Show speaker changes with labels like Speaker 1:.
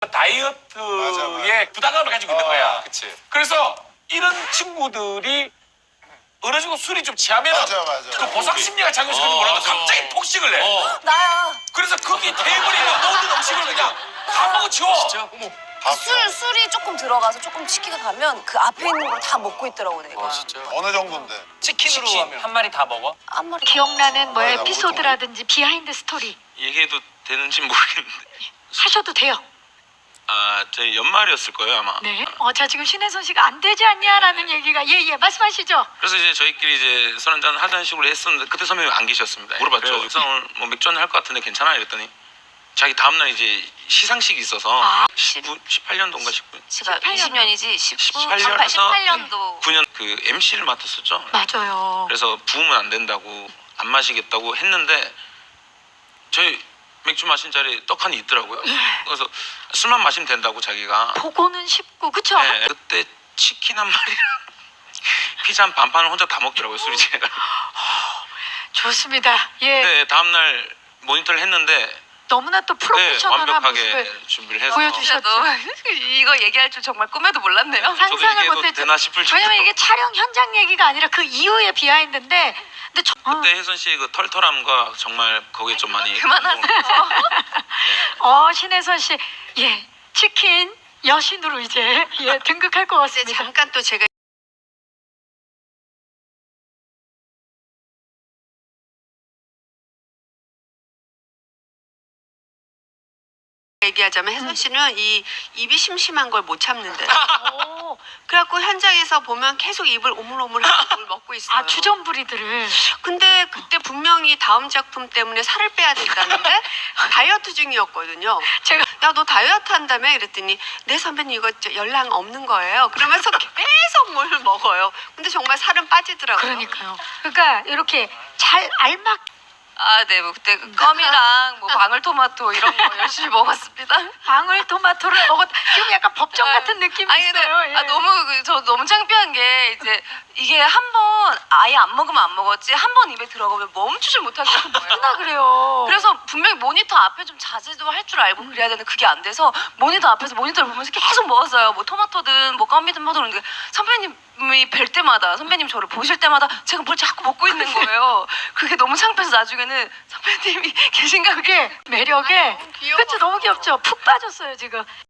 Speaker 1: 다이어트에 부담감을 가지고 있는 거야.
Speaker 2: 그치.
Speaker 1: 그래서 이런 친구들이 어느 정도 술이 좀 취하면
Speaker 3: 맞아.
Speaker 1: 그 보상 심리가 작용시켜서 뭐라도
Speaker 2: 맞아.
Speaker 1: 갑자기 폭식을 내.
Speaker 4: 나야.
Speaker 1: 그래서 거기 테이블에 있는 모든 음식을 그냥 다 먹어치워.
Speaker 2: 진짜? 어머.
Speaker 4: 술이 조금 들어가서 조금 치기가 가면 그 앞에 있는 걸 다 먹고 있더라고 내가.
Speaker 2: 진짜.
Speaker 3: 어느 정도인데?
Speaker 2: 치킨으로
Speaker 5: 치킨
Speaker 2: 하면.
Speaker 5: 한 마리 다 먹어?
Speaker 4: 한 마리.
Speaker 6: 기억나는 뭐
Speaker 3: 맞아,
Speaker 6: 에피소드라든지 비하인드 스토리
Speaker 7: 얘기해도 되는지 모르겠는데
Speaker 6: 하셔도 돼요.
Speaker 7: 저희 연말이었을 거예요 아마.
Speaker 6: 네. 자 지금 신혜선 씨가 안 되지 않냐라는 얘기가 예 말씀하시죠.
Speaker 7: 그래서 이제 저희끼리 이제 술 한잔 하자는 식으로 했었는데 그때 선배님 안 계셨습니다. 물어봤죠. 그래서 오늘 뭐 맥주 한잔 할 것 같은데 괜찮아? 이랬더니 자기 다음날 이제 시상식이 있어서 18년도인가 19년
Speaker 4: 제가 20년이지
Speaker 7: 18년도 9년 그 MC를 맡았었죠.
Speaker 6: 맞아요.
Speaker 7: 그래서 부으면 안 된다고 안 마시겠다고 했는데 저희 맥주 마신 자리에 떡하니 있더라고요. 그래서 술만 마시면 된다고 자기가.
Speaker 6: 보고는 쉽고 그쵸?
Speaker 7: 네, 그때 치킨 한 마리랑 피자 한 반판을 혼자 다 먹더라고요 술이 제가.
Speaker 6: 좋습니다. 예.
Speaker 7: 근데 다음날 모니터를 했는데
Speaker 6: 너무나 또
Speaker 7: 네,
Speaker 6: 프로페셔널한
Speaker 7: 완벽하게
Speaker 6: 모습을
Speaker 7: 준비를 해서
Speaker 6: 보여주셨죠.
Speaker 4: 이거 얘기할 줄 정말 꿈에도 몰랐네요.
Speaker 7: 저도
Speaker 6: 상상을
Speaker 7: 얘기해도
Speaker 6: 못했죠.
Speaker 7: 되나 싶을 정도로.
Speaker 6: 왜냐면 이게 촬영 현장 얘기가 아니라 그 이후의 비하인드인데 근데
Speaker 7: 그때 혜선 씨의 그 털털함과 정말 거기에 좀 많이
Speaker 6: 신혜선 씨 치킨 여신으로 이제 등극할 것 같습니다.
Speaker 4: 잠깐 또 제가 얘기하자면 혜선 씨는 이 입이 심심한 걸 못 참는데.
Speaker 6: 오,
Speaker 4: 그래갖고 현장에서 보면 계속 입을 오물오물하고 뭘 먹고 있어요.
Speaker 6: 주전부리들을
Speaker 4: 근데 그때 분명히 다음 작품 때문에 살을 빼야 된다는데 다이어트 중이었거든요.
Speaker 6: 제가
Speaker 4: 야, 너 다이어트 한다며? 이랬더니 네 선배님 이거 연락 없는 거예요. 그러면서 계속 뭘 먹어요. 근데 정말 살은 빠지더라고요.
Speaker 6: 그러니까요. 그러니까 이렇게 잘 알맞
Speaker 4: 네. 뭐 그때 껌이랑 뭐 방울토마토 이런 거 열심히 먹었습니다.
Speaker 6: 방울토마토를 먹었. 지금 약간 법정 같은 느낌이 있어요. 예.
Speaker 4: 저 너무 창피한 게 이제 이게 한 번 아예 안 먹으면 안 먹었지 한 번 입에 들어가면 멈추질 못하겠는 거예요.
Speaker 6: 나 그래요.
Speaker 4: 그래서 분명히 모니터 앞에 좀 자제도 할 줄 알고 그래야 되는데 그게 안 돼서 모니터 앞에서 모니터를 보면서 계속 먹었어요. 뭐 토마토든 뭐 껌이든 뭐든 그런데 선배님이 뵐 때마다 선배님 저를 보실 때마다 제가 뭘 자꾸 먹고 있는 거예요. 그게 너무 창피해서 나중에는 선배님이 계신가
Speaker 6: 그게 매력에
Speaker 4: 귀여워.
Speaker 6: 그치 너무 귀엽죠. 푹 빠졌어요 지금.